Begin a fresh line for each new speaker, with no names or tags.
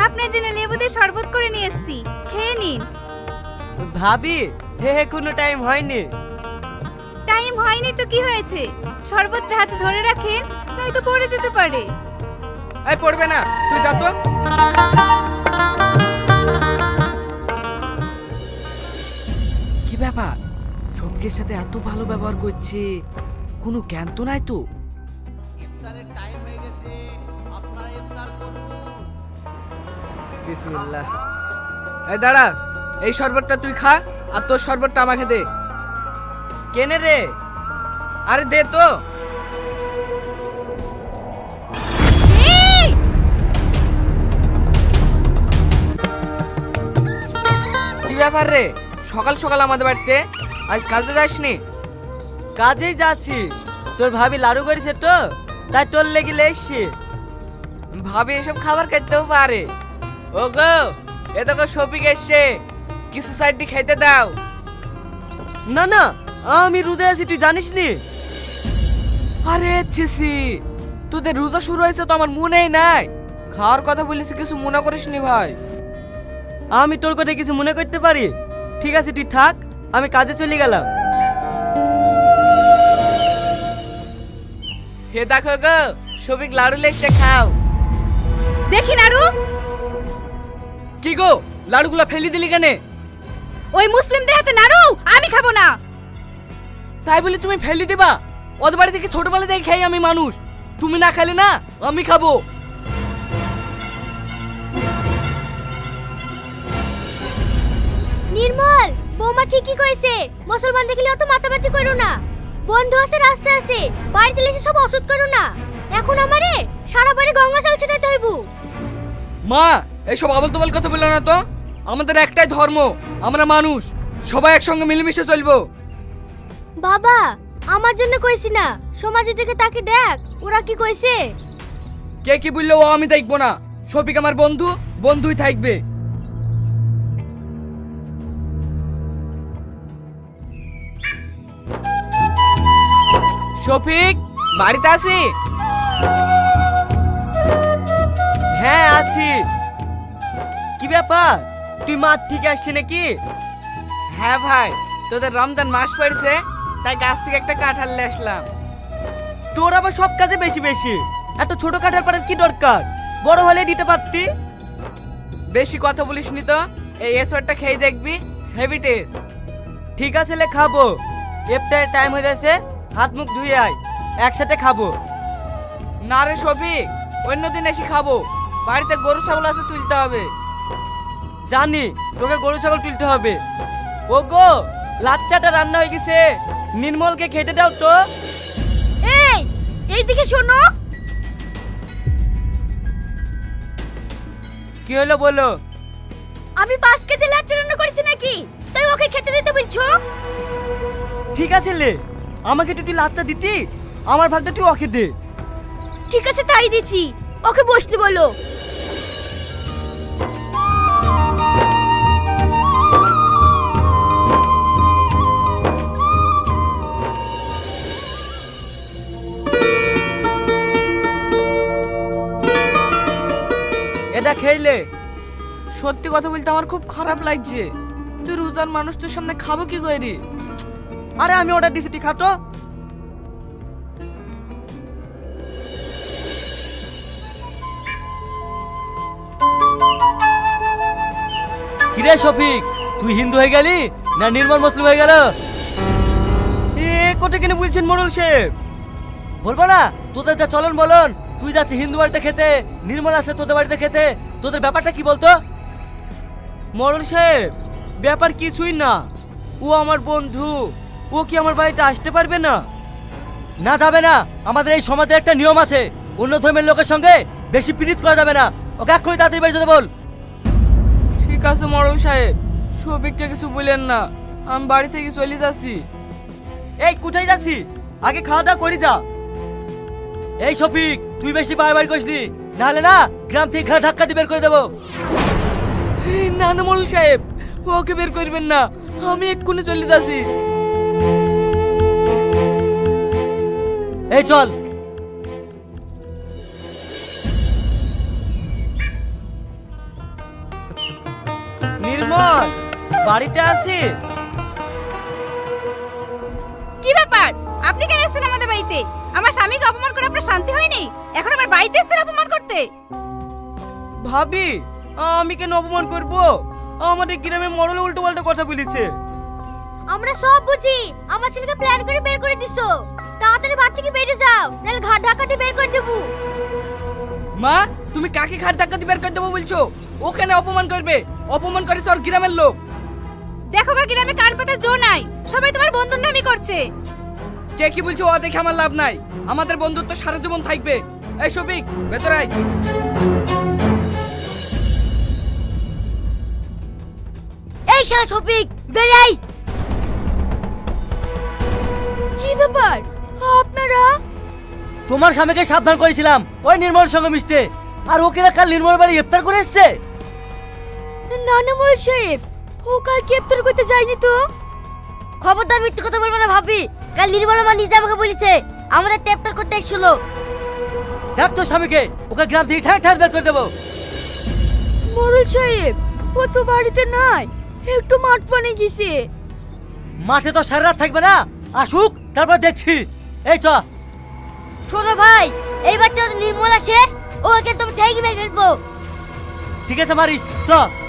আপনার জন্য লেবু দিয়ে শরবত করে নিয়ে এসেছি, খেয়ে নিন।
ভাবি, হে কোনো টাইম হয়নি।
টাইম হয়নি তো কি হয়েছে, শরবতটা হাতে ধরে রাখেন, নয়তো পড়ে যেতে পারে।
এই পড়বে না, তুই যা তো। কি ব্যাপার, সবকের সাথে এত ভালো ব্যবহার করছে, কোনো জ্ঞান তো নাই তো?
ইফতারের টাইম হয়ে গেছে, আপনারা ইফতার করুন।
বিসমিল্লাহ।
এই দাঁড়া, এই শরবতটা তুই খা, আর তোর শরবতটা আমাকে দে।
কেনে রে?
আরে দে তো।
এই!
কি ব্যাপার রে, সকাল সকাল আমাদের বাড়িতে? আজ কাজে যাসনি?
কাজেই যাচ্ছি। তোর ভাবি লাড়ু করেছে তো, তাই তোর লেগে এসছি।
ভাবি এসব খাবার খেতেও পারে। ও গো, এ তো শফিক এসছে, কিছু সাইড খেতে দাও।
না না, আমি রোজা আছি, তুই জানিস নি?
আরে ছিসি, তোদের রোজা শুরু হয়েছে তো আমার মনেই নাই। খাওয়ার কথা বলিস, কিছু মনে করিসনি ভাই?
আমি তোর কথা কিছু মনে করতে পারি? ঠিক আছে তুই থাক, আমি কাজে চলে গেলাম।
হে দেখো গো, শফিক লাড়ু লেসে খাও।
দেখি নাড়ু।
কি গো, লাড়ুগুলো ফেলে দিলি কেনে?
ওই মুসলিমদের হাতে নাড়ু আমি খাবো না।
তাই বলে তুমি ফেলে দিবা? ওদের বাড়ি থেকে ছোটবেলা থেকে খাই আমি মানুষ, তুমি না খেলে না আমি খাবো।
নির্মল, বৌমা ঠিকই কইছে, মুসলমান দেখলে অত মাতামাতি করো না। বন্ধু আছে, রাস্তা আছে, বাড়িতে এসে সব অসুদ করো না। এখন আমারে সারা বাড়ি গঙ্গা জল ছিটাইতে হইব।
মা, এইসব আবল তবল কথা বললো না তো। আমাদের একটাই ধর্ম, আমরা মানুষ, সবাই একসঙ্গে মিলেমিশে চলবো।
বাবা, আমার জন্য কইছি না, সমাজের দিকে তাকে দেখ, ওরা কি কইছে।
কে কি বললো ও আমি দেখবো না। শফিক আমার বন্ধু, বন্ধুই থাকবে। শফিক, বাড়িতে আছি?
হ্যাঁ আছি। কি ব্যাপার, তুই মাঠ থেকে আসছিস নাকি?
হ্যাঁ ভাই, তোদের রমজান মাস পড়েছে, তাই গাছ থেকে একটা কাঁঠাল নিয়ে আসলাম।
তোর আবার সব কাজে বেশি বেশি, এত ছোট কাঠার পাড়ার কি দরকার? বড় হলে দিতে পারতি।
বেশি কথা বলিস নি তো। এই এসরটা খেয়ে দেখবি, হেভি টেস্ট।
ঠিক আছে লে, খাবো। ইফতারের টাইম হয়ে যাচ্ছে, হাত মুখ ধুয়ে আয়, একসাথে খাবো।
না রে শফিক, অন্যদিন এসে খাবো। বাড়িতে গরু ছাগল আছে, তুলতে হবে।
জানি তোকে গরু ছাগল তুলতে হবে। ও গো, লাচ্চাটা রান্না হয়ে গেছে, নির্মলকে খেতে দাও তো।
এই, এইদিকে শোনো।
কি হলো বলো?
আমি 5 কেজি লাচ্ছা রান্না করেছি নাকি, তাই ওকে খেতে দিতে বলছো?
ঠিক আছে লে, আমাকে তুই লাচ্চা দিতি, আমার ভাগটা তুই ওকে দে।
ঠিক আছে, তাই দিছি, ওকে বসতে বলো।
এটা খেইলে।
সত্যি কথা বলতে আমার খুব খারাপ লাগছে। তুই রোজার মানুষ, তোর সামনে খাবো কি করে?
আরে আমি অর্ডার দিছি, তুই খাতো।
কিরে শফিক, তুই হিন্দু হয়ে গেলি না নির্মল মুসলিম হয়ে গেল?
এ কোটে কেন বলছেন মোড়ল সাহেব?
বলবো না, তোদের যা চলন বলন, তুই যাচ্ছি হিন্দু বাড়িতে খেতে, নির্মল আছে তোদের বাড়িতে খেতে, তোদের ব্যাপারটা কি বলতো?
মোড়ল সাহেব, ব্যাপার কিছুই না, ও আমার বন্ধু, ও কি আমার বাড়িতে আসতে পারবে না?
না যাবে না, আমাদের এই সমাজের একটা নিয়ম আছে, অন্য ধর্মের লোকের সঙ্গে বেশি পীড়িত করা যাবে না। ওকে এক্ষুনি তাড়াতাড়ি বাড়ি যেতে বল।
ঠিক আছে মরল সাহেব, শফিককে কিছু বলেন না, আমি বাড়ি থেকে চলে যাচ্ছি।
এই কোথায় যাচ্ছি? আগে খাওয়া দাওয়া করি যা।
এই শফিক, তুই বেশি বাড়াবাড়ি করিসনি, নাহলে না গ্রাম থেকে ঘাড় ধাক্কা দিয়ে বের করে দেবো।
না না মরল সাহেব, ওকে বের করবেন না, আমি এক্ষুনি চলে যাচ্ছি।
এই চল।
বাড়িতে আছে।
কি ব্যাপার, আপনি কেন এসেছেন আমাদের বাড়িতে? আমার স্বামীকে অপমান করে আপনার শান্তি হয়নি, এখন আমার বাড়িতে এসেছেন অপমান করতে?
ভাবি, আমি কেন অপমান করব? আমাদের গ্রামে মরল উল্টো পাল্টা কথা বলেছে।
আমরা সব বুঝি, আমার ছেলেকে প্ল্যান করে বের করে দিছো। তাড়াতাড়ি বাড়ি থেকে বেরিয়ে যাও, নাহলে ঘাট ধাক্কাতে বের করে দেবো।
মা, তুমি কাকে ঘাট ধাক্কা দিয়ে বের করে দেবো বলছো? ওখানে অপমান করবে, অপমান করেছে ওর গ্রামের লোক।
দেখো গা, গ্রামে কান পাতার জো নাই, সবাই তোমার বন্ধুর নামই করছে।
কে কি বলছো ও দেখে আমার লাভ নাই, আমাদের বন্ধুত্ব সারা জীবন থাকবে। এই শফিক, ভেতরে আয়।
এই শালা শফিক, বের আই। কি ব্যাপার আপনারা?
তোমার স্বামীকে সাবধান করেছিলাম ওই নির্মল সঙ্গে মিশতে, আর ওকে না কাল নির্মল বাড়ি ইফতার করে এসছে।
না না মোড়ল সাহেব, ও কাল গ্রেপ্তার করতে যায়নি তো। খবরদার মিথ্যে কথা বলবে না ভাবি, কাল নির্মল মা নিজে আমাকে বলেছে আমাদের গ্রেপ্তার করতে এসেছিল।
দেখ তোর স্বামীকে, ওকে গ্রাম থেকে ঠাঁ ঠাঁ বের করে দেবো।
মোড়ল সাহেব, ও তো বাড়িতে নাই, একটু মাঠ পানে গেছে।
মাঠে তো সারা রাত থাকবে না, আসুক তারপর দেখছি। এই চ।
শোনো ভাই, এইবার তো নির্মল আসে, ওকে তুমি ঠেকে মেরে ফেলবো।
ঠিক আছে মারিস, চ।